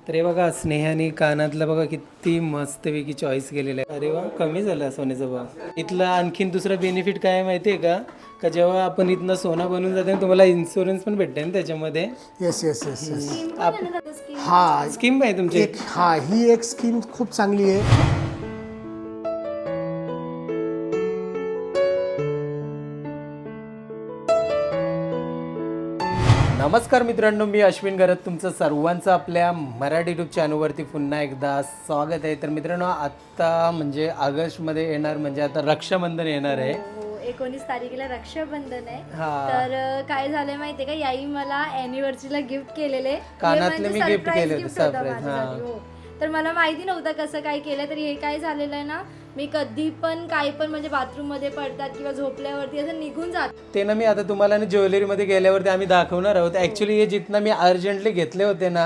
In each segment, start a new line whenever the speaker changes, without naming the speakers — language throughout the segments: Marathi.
तर हे बघा स्नेहाने कानातलं बघा किती मस्तपैकी चॉईस केलेलं आहे. अरे वा, कमी झालं सोन्याचा भाव. इथला आणखीन दुसरा बेनिफिट काय आहे माहिती आहे का, का जेव्हा आपण इथनं सोनं बनवून जाते ना तुम्हाला इन्शुरन्स पण भेटते ना त्याच्यामध्ये.
Yes yes yes yes
scheme
हा
स्कीम आहे तुमची.
ही एक स्कीम खूप चांगली आहे.
नमस्कार मित्रांनो, मी अश्विन गरत तुमचं सर्वांचं आपल्या मराठी यूट्यूब चॅनलवरती पुन्हा एकदा स्वागत आहे. तर मित्रांनो, आत्ता म्हणजे ऑगस्टमध्ये येणार म्हणजे आता रक्षाबंधन येणार आहे.
19 तारखेला रक्षाबंधन आहे.
हा.
तर काय झालंय माहितीये का, याई मला अॅनिव्हर्सरीला गिफ्ट केलेले.
कानातले मी गिफ्ट केले होते,
surprise
सरप्राईज.
माझ्यासाठी. हो. तर मला माहिती नव्हतं कसं काय केलं. तर हे काय झालेलं आहे ना, मी कधी पण काही पण म्हणजे बाथरूम मध्ये पडतात किंवा झोपल्यावरती असं निघून जात.
ते ना मी आता तुम्हाला ना ज्वेलरीमध्ये गेल्यावरती आम्ही दाखवणार आहोत. ॲक्च्युली हे जिथनं मी अर्जंटली घेतले होते ना,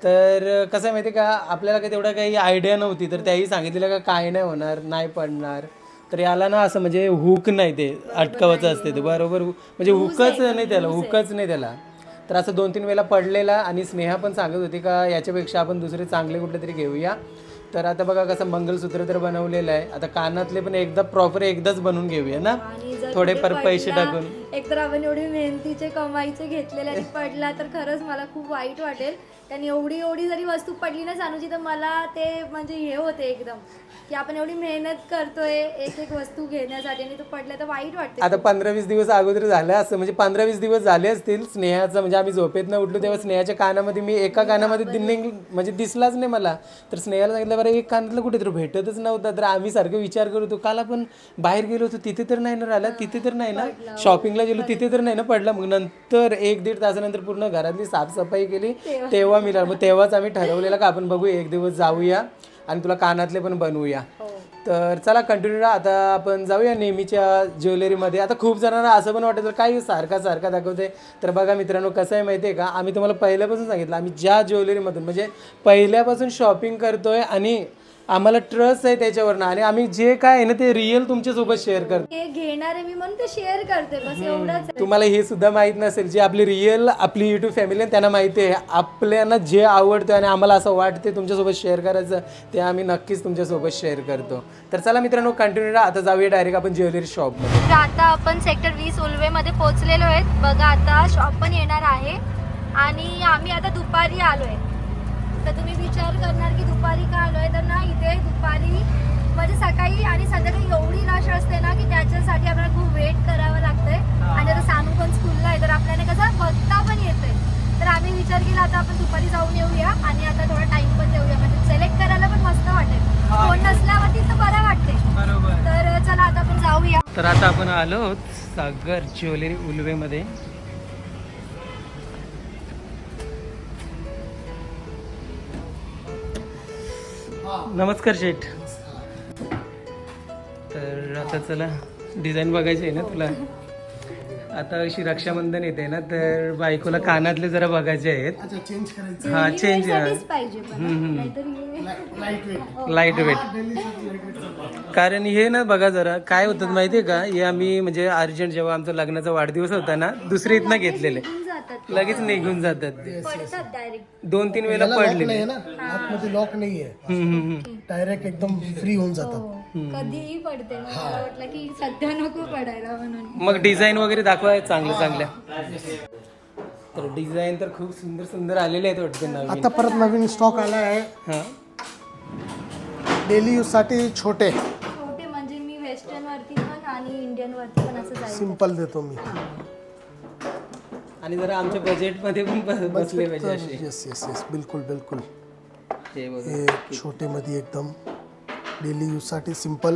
तर कसं आहे माहिती आहे का, आपल्याला काही तेवढा काही आयडिया नव्हती. तर त्याही सांगितलेलं का काय नाही होणार, नाही पडणार. तर याला ना असं म्हणजे हुक नाही, ते अटकावाचं असते ते बरोबर, म्हणजे हुकच नाही त्याला, हुकच नाही त्याला. तर असं 2-3 वेळेला पडलेला. आणि स्नेहा पण सांगत होती का याच्यापेक्षा आपण दुसरे चांगले कुठले तरी घेऊया. तर आता बघा कसं मंगलसूत्र तर बनवलेलं आहे, आता कानातले पण एकदा प्रॉपर एकदाच बनवून घेऊया ना, थोडे पर पैसे टाकून.
एकतर आपण एवढे मेहनतीचे कमाईचे घेतलेले आणि पडला तर खरंच मला खूप वाईट वाटेल. कारण एवढी जरी वस्तू पडली ना सानूची, तर मला ते म्हणजे हे होते एकदम की आपण एवढी मेहनत करतोय एक एक वस्तू घेण्यासाठी आणि तो पडला तर वाईट वाटते.
आता 15-20 दिवस अगोदर झालं असं, म्हणजे 15-20 दिवस झाले असतील स्नेहाचं, म्हणजे आम्ही झोपेत न उठलो तेव्हा स्नेहाच्या कानामध्ये मी एका कानामध्ये म्हणजे दिसलाच नाही मला. तर स्नेहाला सांगितलं बरं एक कानातलं कुठेतरी भेटतच नव्हता. तर आम्ही सारखं विचार करत होतो, काल आपण बाहेर गेलो होतो तिथे तर नाही ना राहिला, तिथे तर नाही ना, शॉपिंगला गेलो तिथे तर नाही ना पडला. मग नंतर 1-1.5 तासानंतर पूर्ण घरातली साफसफाई केली तेव्हा मिळालं. मग तेव्हाच आम्ही ठरवलेलं का आपण बघू एक दिवस जाऊया आणि तुला कानातले पण बनवूया. तर चला कंटिन्यू राहा. आता आपण जाऊया नेहमीच्या ज्वेलरीमध्ये. आता खूप जणांना असं पण वाटतं काही सारखा दाखवते. तर बघा मित्रांनो, कसं आहे माहिती आहे का, आम्ही तुम्हाला पहिल्यापासून सांगितलं आम्ही ज्या ज्वेलरीमधून म्हणजे पहिल्यापासून शॉपिंग करतोय आणि आम्हाला ट्रस्ट आहे त्याच्यावरनं, आणि आम्ही जे काय आहे ना ते रिअल तुमच्यासोबत शेअर करतो.
हे घेणार आहे मी म्हणून ते शेअर करते, बस एवढंच.
तुम्हाला हे सुद्धा माहीत नसेल, जे आपली रिअल आपली यूट्यूब फॅमिली आहे त्यांना माहिती आहे आपल्याला जे आवडतं आणि आम्हाला असं वाटते तुमच्यासोबत शेअर करायचं, ते आम्ही नक्कीच तुमच्यासोबत शेअर करतो. तर चला मित्रांनो कंटिन्यू राहा. आता जाऊया डायरेक्ट आपण ज्वेलरी शॉपमध्ये.
तर आता आपण सेक्टर 20 उल्वेमध्ये पोहोचलेलो आहेत. बघा आता शॉप पण येणार आहे आणि आम्ही आता दुपारी आलोय. तर तुम्ही विचार करणार की दुपारी का आलोय, तर ना इथे दुपारी म्हणजे सकाळी आणि संध्याकाळी एवढी रश असते ना की त्याच्यासाठी आपल्याला खूप वेट करावं लागतंय. आणि आता सानू पण स्कूलला आहे तर आपल्याला कसं बघता पण येतंय. तर आम्ही विचार केला आता आपण दुपारी जाऊन येऊया आणि आता थोडा टाइम पण देऊया, म्हणजे सिलेक्ट करायला पण मस्त वाटेल. कोण नसल्यावरती तर बरं वाटते. तर चला आता आपण जाऊया.
तर आता आपण आलो आहोत सागर ज्वेलरी उल्वेमध्ये. नमस्कार शेठ. तर आता चला डिझाईन बघायची आहे ना तुला. आता अशी रक्षाबंधन येते ना, तर बायकोला कानातले जरा बघायचे आहेत.
अच्छा चेंज करायचं.
हा चेंज
साठीच पाहिजे मला. नाहीतर हे
लाईट वेट.
Light weight. कारण हे ना बघा जरा काय होतं माहितीये का, हे आम्ही म्हणजे अर्जंट जेव्हा आमचा लग्नाचा वाढदिवस होता ना, दुसरी इथनं घेतलेले
जातात,
लगेच निघून जातात ते.
पडतात डायरेक्ट.
2-3 वेळेला पडलेले.
आहे ना, आतमध्ये लॉक नाहीये, डायरेक्ट एकदम फ्री होऊन जातात.
कधीही पडते. मग मला वाटलं की सध्या नको पडायला म्हणून.
मग डिझाईन वगैरे दाखवाय चांगल्या. तर डिझाईन तर खूप सुंदर सुंदर आलेले आहेत वाटते नवीन.
आता परत नवीन स्टॉक आला आहे.
हा
डेली यूज साठी छोटे
म्हणजे मी वेस्टर्न वरती पण आणि इंडियन वरती पण असं जाईल.
सिंपल देतो मी.
आणि जरा आमच्या बजेटमध्ये पण बसले पाहिजे असे.
येस येस येस बिलकुल बिलकुल.
हे बघा.
हे छोटे मध्ये एकदम डेली यूज साठी सिंपल.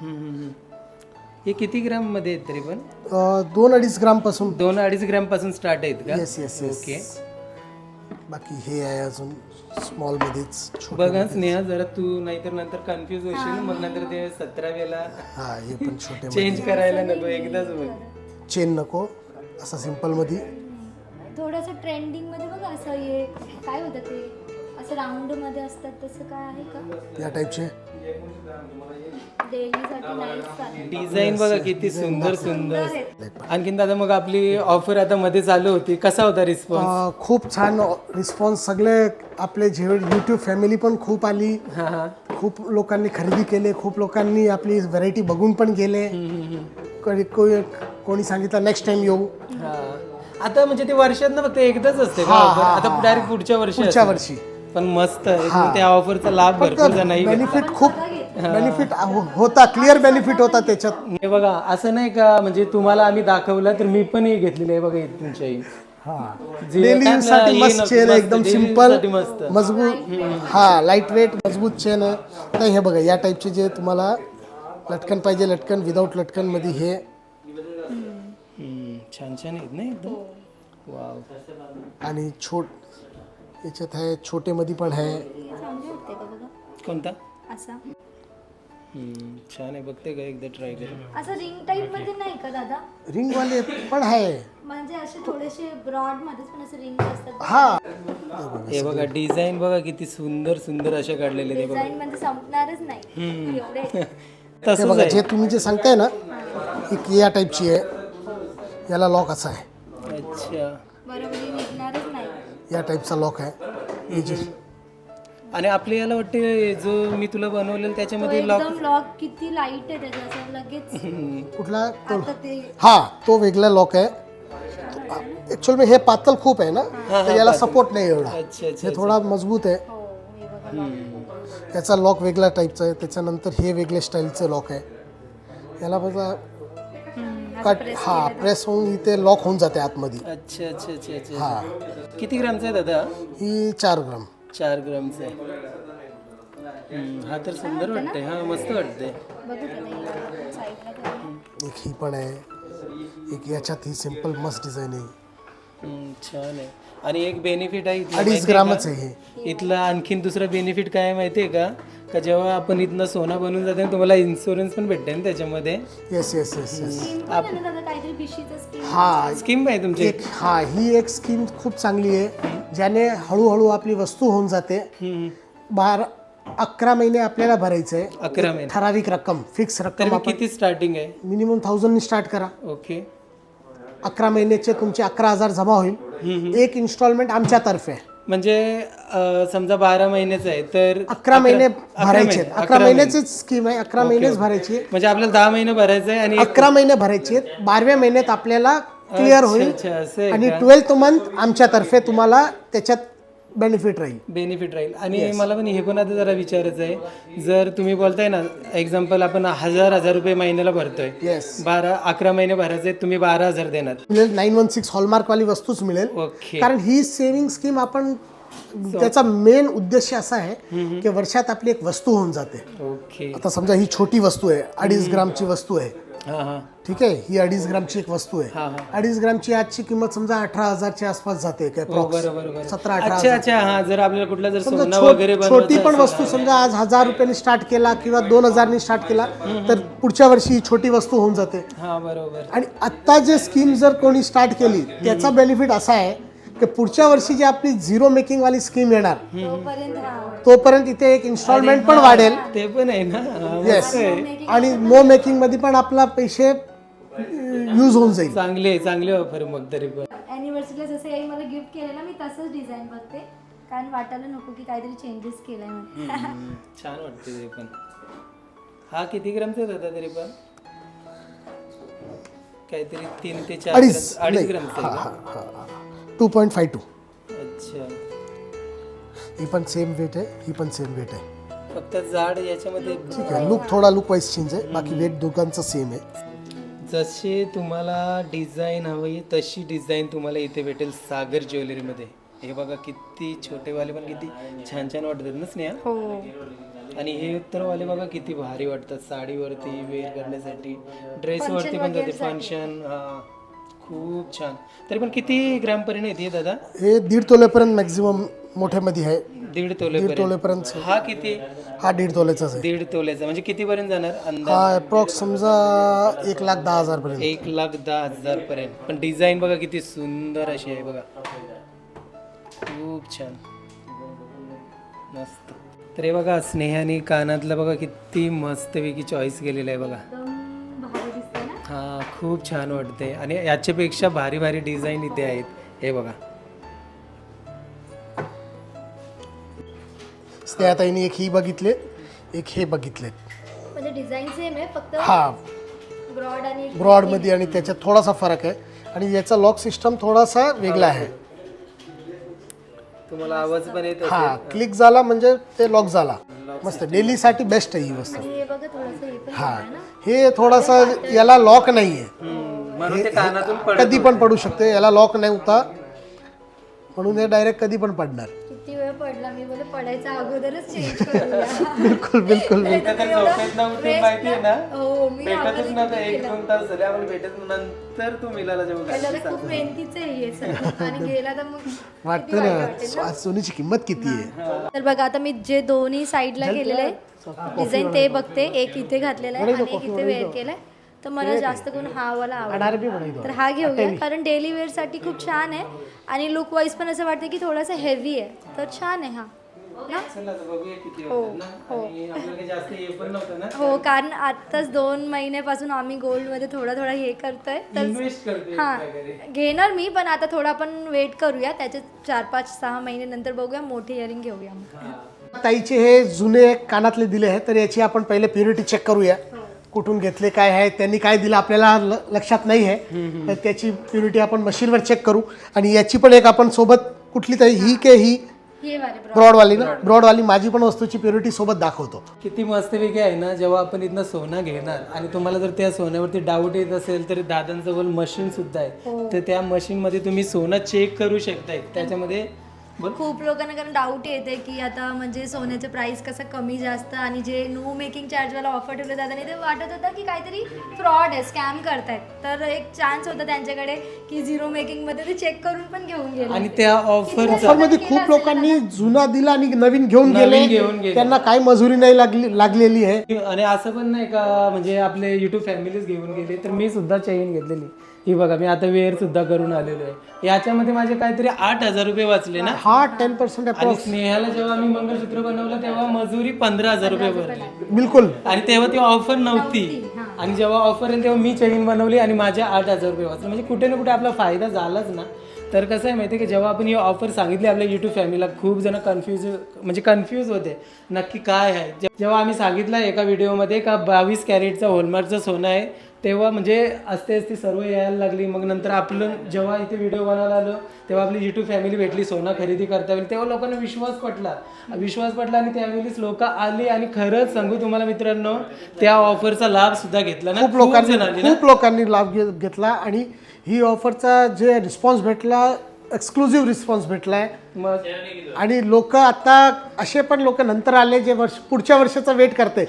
हे किती ग्राम मध्ये आहेत तरी पण?
2-2.5 ग्राम पासून.
2-2.5 ग्राम पासून स्टार्ट आहेत का?
Yes yes yes.
ओके.
बाकी हे आहे अजून स्मॉल मध्येच छोटे.
बघा स्नेहा, जरा तू नाहीतर नंतर कन्फ्यूज होशील, मग नंतर ते 17 वेळेला
हा हे पण छोटे
चेंज करायला नको, एकदाच बघ.
चेन नको, असं सिंपल मध्ये.
थोडंसं ट्रेंडिंग मध्ये बघा असं हे काय होतं ते असं राऊंड मध्ये असतात तसं काय आहे का
या टाईपचे
डेलीसाठी नाईटसाठी
डिझाईन बघा किती सुंदर सुंदर. आणखीन दादा मग आपली ऑफर आता मध्ये चालू होती, कसा होता रिस्पॉन्स?
खूप छान रिस्पॉन्स. सगळे आपले जे यूट्यूब फॅमिली पण खूप आली,
हा हा.
खूप लोकांनी खरेदी केले, खूप लोकांनी आपली व्हरायटी बघून पण गेले. कोणी सांगितलं नेक्स्ट टाइम येऊ.
हा. आता म्हणजे ते वर्षात ना फक्त एकदाच असते का offer? आता डायरेक्ट पुढच्या वर्षी
पुढच्या
असेल.
वर्षी
पण मस्त आहे. त्या ऑफरचा लाभ भरपूर जणांनी घेतला.
बेनिफिट खूप बेनिफिट होता, क्लिअर बेनिफिट होता त्याच्यात.
हे बघा असं नाही का म्हणजे तुम्हाला आम्ही दाखवलं तर मी पण हे घेतलेलं आहे बघा इथे तुमच्या ही. जे
डेली
काय
यूज साठी
आपलं
मस्त
हे
चेन आहे,
मस्त,
एकदम
daily
सिंपल
use साठी मस्त.
मजबूत. हा लाईट वेट मजबूत चेन आहे. तर हे बघा या टाईपचे जे तुम्हाला लटकन पाहिजे, लटकन विदाऊट लटकन मध्ये हे
छान छान आहेत ना एकदम. वाव.
आणि याच्यात आहे छोटे मध्ये पण आहे.
चांगले वाटते का बघा
कोणता?
असा
छान आहे, बघते का एकदा ट्राय करून.
असं रिंग टाईप मध्ये नाही का दादा?
रिंग वाले पण आहे.
म्हणजे असे थोडेसे ब्रॉड मध्येच पण असे रिंग असतात.
हा
हे बघा डिझाईन बघा किती सुंदर सुंदर असे काढलेले ते बघा.
डिझाईन म्हणजे संपणारच नाही एवढे.
हे
तसंच
बघा
आहे.
जे तुम्ही जे सांगताय ना ही या टाईपची आहे. याला लॉक असा आहे,
अच्छा.
बरोबर हे निघणारच नाही.
या टाईपचा लॉक आहे. हे जे
आणि आपल्या याला वाटते जो मी तुला बनवलेलं
तो
त्याच्यामध्ये लॉक.
एकदम लॉक किती लाईट आहे त्याचा लगेच.
कुठला तो
आता ते
हा तो वेगळा लॉक आहे. ऍक्च्युअल में हे पातळ खूप आहे ना, तर याला सपोर्ट नाही एवढा.
अच्छा अच्छा.
हे थोडा मजबूत आहे.
हो हे बघा
याचा लॉक वेगळ्या टाईपचा आहे. त्याच्यानंतर हे वेगळ्या स्टाईलचं लॉक आहे. याला बघा कट हा प्रेस होऊन इथे लॉक होऊन जाते आतमध्ये.
अच्छा अच्छा अच्छा अच्छा.
हा
किती ग्रामचा आहे दादा?
ही 4 ग्राम.
4 ग्रामचा आहे. हा तर सुंदर वाटतंय. हा मस्त वाटतंय.
बघू त्याला साईडला करून.
एक ही पण आहे. एक याच्यात ही सिंपल मस्त डिझाईन आहे.
छान आहे. आणि एक बेनिफिट आहे इथलं
2.5
माहितीये
ग्रामच
का?
आहे हे.
इथलं आणखीन दुसरं बेनिफिट काय आहे माहितीये का? का जेव्हा आपण इथनं सोनं बनवून जाते तुम्हाला इन्शुरन्स पण भेटते ना त्याच्यामध्ये.
Yes yes yes yes.
Scheme पण आहे ना दादा काहीतरी बिशीचं स्कीम.
हा
स्कीम आहे तुमची?
ही एक स्कीम खूप चांगली आहे, ज्याने हळूहळू आपली वस्तू होऊन जाते. 11 महिने आपल्याला भरायचं आहे.
11 महिने.
ठराविक रक्कम फिक्स
तर
रक्कम
मग
आपण
किती स्टार्टिंग आहे?
मिनिमम 1000 स्टार्ट करा.
ओके.
11 महिन्याचे तुमचे 11,000 जमा होईल. एक इन्स्टॉलमेंट आमच्यातर्फे.
म्हणजे समजा 12 महिन्याचं आहे तर
11 महिने भरायचे. 11 महिन्याची
महिने.
स्कीम आहे. 11 महिनेच भरायची.
म्हणजे आपल्याला 10 महिने भरायचं आहे आणि
11 महिने भरायचे. 12व्या महिन्यात आपल्याला क्लिअर होईल.
अच्छा असं आहे
आणि
का?
12th मंथ आमच्यातर्फे तुम्हाला त्याच्यात बेनिफिट राहील.
बेनिफिट राहील. आणि मला पण हे पण आता जरा विचारायचं आहे, जर तुम्ही बोलताय ना एक्झाम्पल आपण 1000 रुपये महिन्याला भरतोय,
येस
11 महिने भरायचे तुम्ही 12,000 देणार.
मिळेल. 916 हॉलमार्क वाली वस्तूच मिळेल.
ओके.
कारण ही सेव्हिंग स्कीम आपण त्याचा मेन उद्देश असा आहे की वर्षात आपली एक वस्तू होऊन जाते.
ओके.
आता समजा ही छोटी वस्तू आहे, 2.5 ग्रामची वस्तू आहे.
हां हां.
ठीक आहे, ही 2.5 ग्रामची एक वस्तू आहे.
हा,
2.5 ग्रामची आजची किंमत समजा 18,000च्या आसपास जाते काय
बरोबर.
17-18.
अच्छा अच्छा. हा जर आपल्याला कुठला जर
समजा
सोनं वगैरे
छोटी पण
बनवायचं
वस्तू समजा आज 1000 रुपयांनी स्टार्ट केला किंवा 2000 स्टार्ट केला तर पुढच्या वर्षी ही छोटी वस्तू होऊन जाते.
हा बरोबर.
आणि आत्ता जे स्कीम जर कोणी स्टार्ट केली त्याचा बेनिफिट असा आहे की पुढच्या वर्षी जी आपली झिरो मेकिंग वाली स्कीम येणार तोपर्यंत इथे एक इन्स्टॉलमेंट पण वाढेल.
ते पण आहे ना. हा,
येस.
मस्त आहे.
आणि नो मेकिंग मध्ये पण आपला पैसे यूज होऊन जाईल.
चांगली ऑफर मग तरी पण.
अॅनिव्हर्सरीला जसं याही मला गिफ्ट केलं ना मी तसंच डिझाईन बघते कारण वाटायला नको की काहीतरी चेंजेस केलाय म्हणून.
छान वाटते ते पण. हा किती ग्रामचा होता तरी पण? काहीतरी 3 ते 4 2.5 ग्रामचा आहे का?
2.52.
अच्छा.
ही पण सेम वेट आहे, ही पण सेम वेट आहे.
फक्त जाड याच्यामध्ये.
ठीक आहे, लुक थोडा लुक वाईज चेंज आहे, बाकी वेट दोघांचं सेम आहे.
जसे तुम्हाला डिझाईन हवी तशी डिझाईन तुम्हाला इथे भेटेल सागर ज्वेलरीमध्ये. हे बघा किती छोटेवाले पण किती छान छान वाटतात ना स्नेहा.
हो.
आणि हे उत्तरवाले बघा किती भारी वाटतात साडीवरती वेअर करण्यासाठी, ड्रेसवरती पण जाते फंक्शन. हा खूप छान. तरी पण किती ग्रामपर्यंत येते दादा?
हे 1.5 तोलेपर्यंत मॅक्झिमम मोठ्यामध्ये आहे.
1.5
1.5 तोलेपर्यंत.
हा किती?
हा 1.5 तोलेचाच आहे.
1.5 तोल्याचा म्हणजे कितीपर्यंत जाणार अंदाज?
हा अप्रॉक्स समजा 1,10,000 पर्यंत.
1,10,000 पर्यंत. पण डिझाईन बघा किती सुंदर अशी आहे बघा. खूप छान. मस्त. तर हे बघा स्नेहाने कानातलं बघा किती मस्तपैकी चॉईस केलेलं आहे बघा.
एकदम भारी दिसते ना.
हा खूप छान वाटते आणि याच्यापेक्षा भारी भारी डिझाईन इथे आहेत हे बघा.
स्नेहाताईने एक ही बघितले, एक हे बघितले.
म्हणजे डिझाईन सेम आहे, फक्त
हा
ब्रॉड आणि
ब्रॉड मध्ये आणि त्याच्यात थोडासा फरक आहे आणि याचा लॉक सिस्टम थोडासा वेगळा आहे.
तुम्हाला आवाज पण येत
हा क्लिक झाला म्हणजे ते लॉक झाला. मस्त डेली साठी बेस्ट आहे ही वस्तू.
आणि हे बघा थोडंसं हे पण
हा
आहे ना.
हे थोडासा याला लॉक नाहीये,
म्हणून ते कानातून
कधी पण पडू शकते. याला लॉक नाही होता म्हणून हे डायरेक्ट कधी पण पडणार.
किती वेळ पडला, मी बोले पडायचा अगोदरच चेंज करूया.
बिलकुल बिलकुल
माहिती आहे ना
हो मी
भेटतच नव्हतं. 1-2 तास झाले आम्हाला भेटत. नंतर तू मिलाला जेव्हा
त्याला खूप मेहनतीचं आहे हे सगळं. आणि गेला तर मग
वाटतं ना सोनीची किंमत किती आहे.
तर बघा आता मी जे दोन्ही साईडला केलेले डिझाईन ते बघते. एक इथे घातलेला आहे आणि एक इथे वेअर केलाय. तर मला जास्त करून हा वाला आवडला, तर हा घेऊया कारण डेली वेअर साठी खूप छान आहे आणि लुक वाईज पण असं वाटतं की थोडासा हेवी आहे, तर छान आहे हा ना. हो कारण आताच 2 महिन्यापासून आम्ही गोल्ड मध्ये थोडा थोडा हे करतोय, तर हा घेणार मी. पण आता थोडा आपण वेट करूया, त्याचे 4-5-6 महिने नंतर बघूया मोठे इयरिंग घेऊया.
ताईचे हे जुने कानातले दिले आहेत, तर याची आपण पहिले प्युरिटी चेक करूया. कुठून घेतले, काय आहे, त्यांनी काय दिलं आपल्याला लक्षात नाही आहे. तर त्याची प्युरिटी आपण मशीनवर चेक करू. आणि याची पण एक आपण सोबत कुठली तरी ही के ही
हे वाले
ब्रॉडवाली ना, ब्रॉडवाली माझी पण वस्तूची प्युरिटी सोबत दाखवतो.
किती मस्तपैकी आहे ना. जेव्हा आपण इथनं सोनं घेणार आणि तुम्हाला जर त्या सोन्यावरती डाऊट येत असेल तर दादांजवळ मशीन सुद्धा आहे. तर त्या मशीन मध्ये तुम्ही सोनं चेक करू शकताय. त्याच्यामध्ये
खूप लोकांना कारण डाऊट येते की आता म्हणजे सोन्याचं प्राइस कसं कमी जास्त आणि जे नो मेकिंग चार्जवाला ऑफर ठेवले जातात नाही, ते वाटत होतं की काहीतरी फ्रॉड आहे, स्कॅम करतायत. तर एक चान्स होता त्यांच्याकडे की 0 मेकिंग मध्ये ते चेक करून पण घेऊन गेले.
आणि त्या ऑफर
मध्ये खूप लोकांनी जुना दिला आणि नवीन घेऊन गेले. त्यांना काय मजुरी नाही लागलेली आहे.
आणि असं पण नाही का म्हणजे आपले युट्यूब फॅमिलीज घेऊन गेले. तर मी सुद्धा चेन घेतलेली ही बघा. मी आता वेअर सुद्धा करून आलेलो आहे. याच्यामध्ये माझे काहीतरी 8,000 रुपये वाचले ना.
हा 10%
आणि स्नेहाला जेव्हा आम्ही मंगळसूत्र बनवलं तेव्हा मजुरी 15,000 रुपये भरली.
बिलकुल.
आणि तेव्हा ती ऑफर नव्हती. आणि जेव्हा ऑफर येईल तेव्हा मी चेन बनवली आणि माझे 8,000 रुपये वाचले. म्हणजे कुठे ना कुठे आपला फायदा झालाच ना. तर कसं आहे माहिती आहे की जेव्हा आपण ही ऑफर सांगितली आपल्या यूट्यूब फॅमिलीला, खूप जण कन्फ्यूज होते नक्की काय आहे. जेव्हा आम्ही सांगितलं एका व्हिडिओमध्ये का 22 कॅरेटचं हॉलमार्कचं सोनं आहे, तेव्हा म्हणजे असते सर्व यायला लागली. मग नंतर आपलं जेव्हा इथे व्हिडिओ बनायला आलो तेव्हा आपली यूट्यूब फॅमिली भेटली सोनं खरेदी करता येईल. तेव्हा लोकांना विश्वास पटला आणि त्यावेळीच लोक आली. आणि खरंच सांगू तुम्हाला मित्रांनो, त्या ऑफरचा लाभ सुद्धा घेतला ना.
खूप लोकांनी लाभ घेतला आणि ही ऑफरचा जे रिस्पॉन्स भेटला, एक्सक्लुझिव्ह रिस्पॉन्स भेटलाय. आणि लोक आता असे पण लोक नंतर आले जे पुढच्या वर्षाचा वेट करते.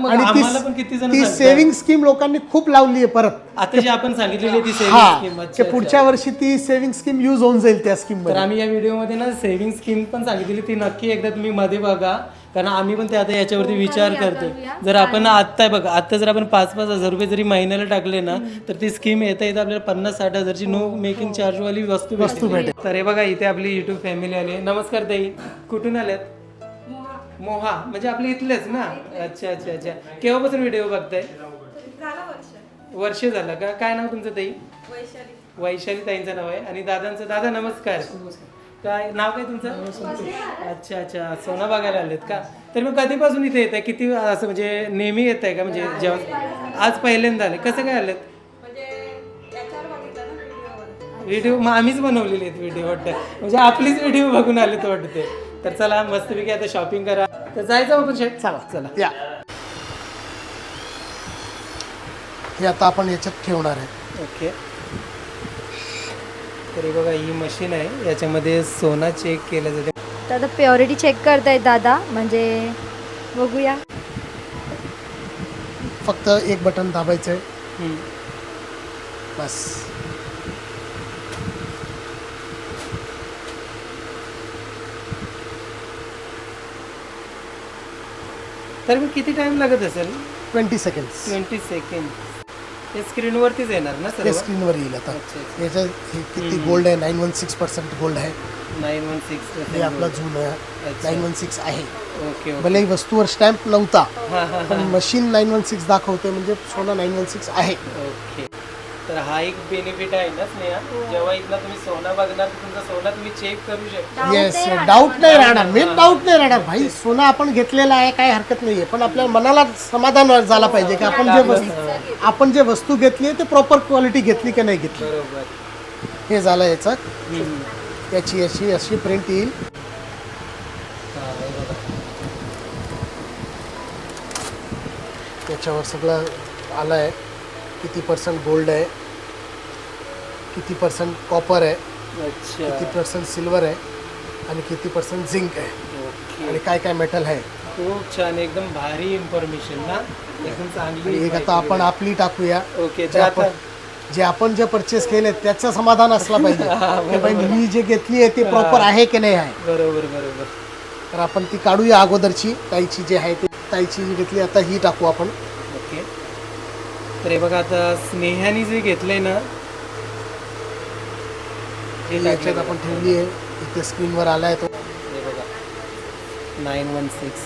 आणि ती सेव्हिंग स्कीम लोकांनी खूप लावली आहे परत.
आता जी आपण सांगितलेली ती सेव्हिंग स्कीम,
पुढच्या वर्षी ती सेव्हिंग स्कीम युज होऊन जाईल त्या स्कीम मध्ये.
तर आम्ही या व्हिडिओमध्ये ना सेव्हिंग स्कीम पण सांगितलेली, ती नक्की एकदा तुम्ही मध्ये बघा. कारण आम्ही पण ते आता याच्यावरती विचार करतो. जर आपण आता जर आपण 5-5 हजार रुपये जरी महिन्याला टाकले ना, तर ती स्कीम येता आपल्याला 50-60 हजारची नो मेकिंग चार्ज वाली वस्तू भेटेल. तर हे बघा इथे आपली युट्यूब फॅमिली आली. नमस्कार ताई, कुठून आल्यात? मोहा म्हणजे आपले इथलेच ना. अच्छा. केव्हापासून व्हिडिओ बघताय? वर्ष झालं का? काय नाव तुमचं ताई? वैशाली ताईंचं नाव आहे. आणि दादांचं? दादा नमस्कार. काय नाव काय तुमचं? अच्छा सोना बघायला आलेत का? तर मग कधीपासून इथे येत आहे? किती असं म्हणजे नेहमी येत आहे का? म्हणजे जेव्हा आज पहिल्यांदा आले, कसं काय आलेत? व्हिडिओ मग आम्हीच बनवलेले आहेत व्हिडिओ वाटतं, म्हणजे आपलीच व्हिडिओ बघून आले तो वाटते. तर चला मस्तपैकी आता शॉपिंग करा. तर जायचं आपण शेट. चला
या हे आता आपण याच्यात ठेवणार आहे.
ओके. तरी बघा ही मशीन आहे, याच्यामध्ये सोना चेक केलं जाते.
तर आता प्युरिटी चेक करतायत दादा, म्हणजे बघूया.
फक्त एक बटन दाबायचं आहे बस.
तर मग किती टाइम लागत असेल?
20 सेकंड्स.
20 सेकंड. ते स्क्रीनवरतीच येणार ना सर?
स्क्रीनवर येईल आता. याचं किती गोल्ड आहे? 916% गोल्ड आहे.
916
हे आपला जुनं 916 आहे.
Okay okay.
भले वस्तूवर स्टॅम्प नव्हता
हां हां
पण मशीन 916 दाखवते म्हणजे सोनं 916 आहे.
ओके. तर हा एक बेनिफिट आहे ना स्नेहा, जेव्हा इथला तुम्ही सोनं बघणार तर तुमचा सोनं तुम्ही चेक करू शकता.
येस, डाऊट नाही राहणार. मेन डाऊट नाही राहणार. भाई सोनं आपण घेतलेलं आहे, काय हरकत नाहीये, पण आपल्या मनाला समाधान झाला पाहिजे की आपण जे वस्तू घेतली ते प्रॉपर क्वालिटी घेतली की नाही घेतली.
बरोबर.
हे झालं याचं. याची अशी अशी प्रिंट येईल.
हां, हे बघा.
त्याच्यावर सगळं आलं आहे. किती % गोल्ड आहे, किती % कॉपर आहे,
अच्छा.
किती % सिल्वर आहे आणि किती % झिंक आहे
ओके.
आणि काय काय मेटल आहे.
खूप छान, एकदम भारी इन्फॉर्मेशन ना, एकदम चांगली.
आणि एक आता आपण आपली टाकूया.
ओके. तर आता
जे आपण जे परचेस केले त्याचं समाधान असलं पाहिजे की भाई मी जे घेतली आहे ती प्रॉपर आहे की नाही आहे.
बरोबर बरोबर.
तर आपण ती काढूया अगोदरची ताईची जी आहे ती ताईची जी घेतली आता ही टाकू आपण.
ओके. तर हे बघा आता स्नेहाने जे घेतलंय ना
हे याच्यात आपण ठेवली आहे. इथे स्क्रीनवर आलाय तो.
हे बघा 916.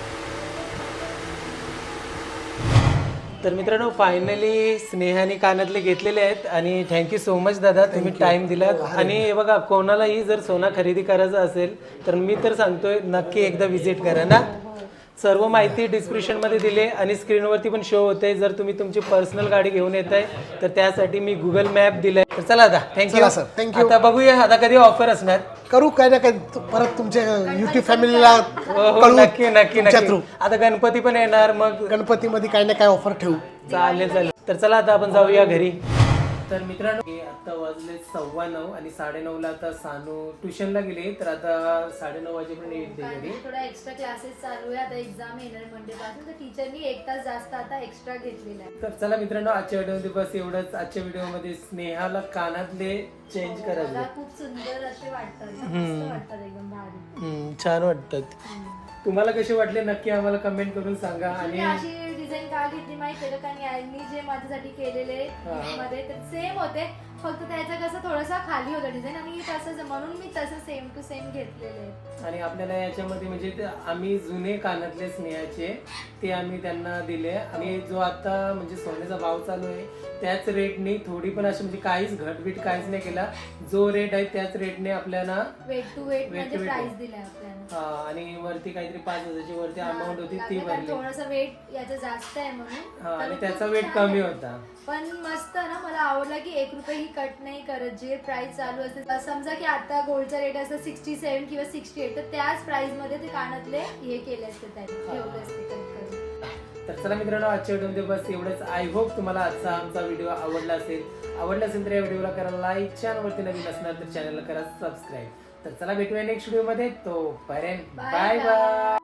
तर मित्रांनो फायनली स्नेहाने कानातले घेतलेले आहेत आणि थँक्यू सो मच दादा, तुम्ही टाइम दिलात. आणि हे बघा कोणालाही जर सोना खरेदी करायचं असेल तर मी तर सांगतोय नक्की एकदा व्हिजिट करा ना. सर्व माहिती डिस्क्रिप्शनमध्ये दिली आणि स्क्रीनवरती पण शो होते. जर तुम्ही तुमची पर्सनल गाडी घेऊन येत आहे तर त्यासाठी मी गुगल मॅप दिलाय. तर चला आता थँक्यू.
चला सर, थँक्यू.
आता बघूया आता कधी ऑफर असणार.
करू काय ना काय परत तुमच्या युट्यूब फॅमिलीला
हो
कळवू.
नक्की नक्की
तुमच्या
नक्की.
थ्रू
आता गणपती पण येणार मग
गणपतीमध्ये काय ना काय ऑफर ठेवू.
चालेल चालेल. तर चला आता आपण जाऊया घरी. तर मित्रांनो आता वाजले 9:15 आणि 9:30ला आता सानू ट्युशनला गेली. तर आता 9:30 वाजेपर्यंत येईल घरी.
थोडा एक्स्ट्रा क्लासेस चालू आहे. आता एक्झाम येणार मंडे पासून, तर टीचरनी 1 तास जास्त आता एक्स्ट्रा घेतलेला आहे.
तर चला मित्रांनो आजच्या व्हिडिओमध्ये बस एवढंच. आजच्या व्हिडिओमध्ये स्नेहाला कानातले चेंज करायचे.
मला खूप सुंदर असे वाटतात, मस्त वाटतात, एकदम भारी.
छान वाटतात. तुम्हाला कसे वाटले नक्की आम्हाला कमेंट करून सांगा.
मी
आणि
अशी डिझाईन का घेतली माहिती आहे का, कारण मी जे माझ्यासाठी केलेले gift मध्ये तर सेम होते, फक्त त्याचं कसं थोडंसं खाली होतं डिझाईन आणि तसंच म्हणून मी तसं सेम टू सेम घेतलेले.
आणि आपल्याला याच्यामध्ये म्हणजे ते आम्ही जुने कानातले स्नेहाचे ते आम्ही त्यांना दिले. आणि जो आता म्हणजे सोन्याचा भाव चालू आहे त्याच रेटने थोडी पण अशी म्हणजे काहीच घटबीट काहीच नाही केला. जो रेट आहे त्याच रेटने आपल्याला
वेट टू वेट म्हणजे प्राइस दिलाय आपल्याला.
आणि वरती काहीतरी 5,000ची वरती अमाऊंट होती ती भरली.
थोडंसं वेट याचं जास्त आहे म्हणून.
आणि त्याचा वेट कमी होता.
पण मस्त ना, मला आवडला की 1 रुपये ही कट नाही करत. जे प्राइस चालू असते समजा की आता गोल्डचा रेट असतं 67 किंवा 68, तर त्याच प्राइस मध्ये ते कानातले हे केले असते, त्यांनी ठेवले असते कट करून.
तर चला मित्रांनो आजच्या व्हिडिओमध्ये बस एवढंच. आय होप तुम्हाला आजचा आमचा व्हिडिओ आवडला असेल तर या व्हिडिओला करा लाईक. चॅनलवरती नवीन असणार तर चॅनलला करा सबस्क्राईब. तर चला भेटूया नेक्स्ट व्हिडिओमध्ये. तोपर्यंत बाय बाय.